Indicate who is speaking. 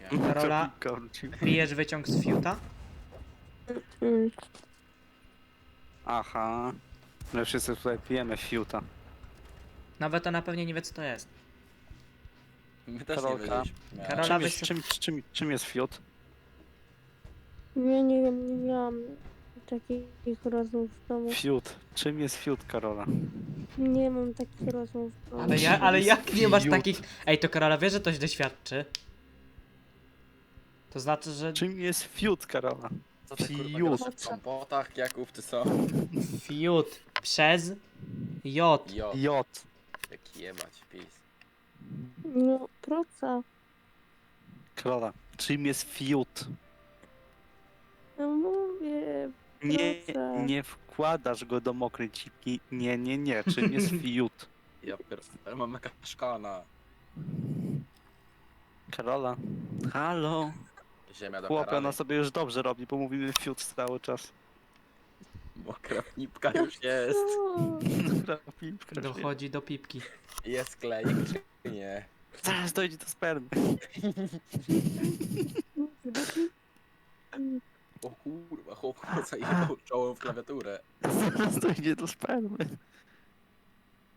Speaker 1: Karola,
Speaker 2: Co piłka?
Speaker 1: pijesz wyciąg z fiuta?
Speaker 3: Mm.
Speaker 2: Aha. My wszyscy tutaj pijemy fiuta.
Speaker 1: Nawet ona pewnie nie wie co to jest.
Speaker 4: My też
Speaker 2: Karolka.
Speaker 4: nie wiedzieliśmy.
Speaker 1: Karola,
Speaker 2: Czym
Speaker 1: weź
Speaker 2: jest, czym jest fiut?
Speaker 3: Ja nie wiem, nie miałam takich rozmów w domu.
Speaker 2: Fiut. Czym jest fiut, Karola?
Speaker 3: Nie mam takich rozmów w domu.
Speaker 1: Ale jak nie masz
Speaker 2: fiut?
Speaker 1: takich... Ej, to Karola wie, że to źle świadczy. To znaczy, że
Speaker 2: Czym jest fiut, Karola?
Speaker 4: Co ty kurwa
Speaker 2: Fiut.
Speaker 4: gadasz w kompotach, Jakub, ty co?
Speaker 1: fiut przez J.
Speaker 4: Jo,
Speaker 2: J.
Speaker 4: jaki jebać, pis.
Speaker 3: No, proca.
Speaker 2: Karola. Czym jest fiut?
Speaker 3: No mówię,
Speaker 2: Nie,
Speaker 3: Proszę.
Speaker 2: nie wkładasz go do mokrej cipki. Nie. Czym jest fiut?
Speaker 4: Ja pierdolę, mam jakaś szkana.
Speaker 2: Karola. Halo.
Speaker 4: Ziemia do
Speaker 2: Chłopie,
Speaker 4: karany.
Speaker 2: ona sobie już dobrze robi, bo mówimy fiut cały czas.
Speaker 4: Mokra nipka już jest.
Speaker 3: co?
Speaker 2: Piłka,
Speaker 1: Dochodzi do pipki.
Speaker 4: Jest klejek czy nie?
Speaker 2: Zaraz dojdzie do spermy.
Speaker 4: O kurwa, chłop zajebał czołem w klawiaturę.
Speaker 2: Zaraz dojdzie do spermy.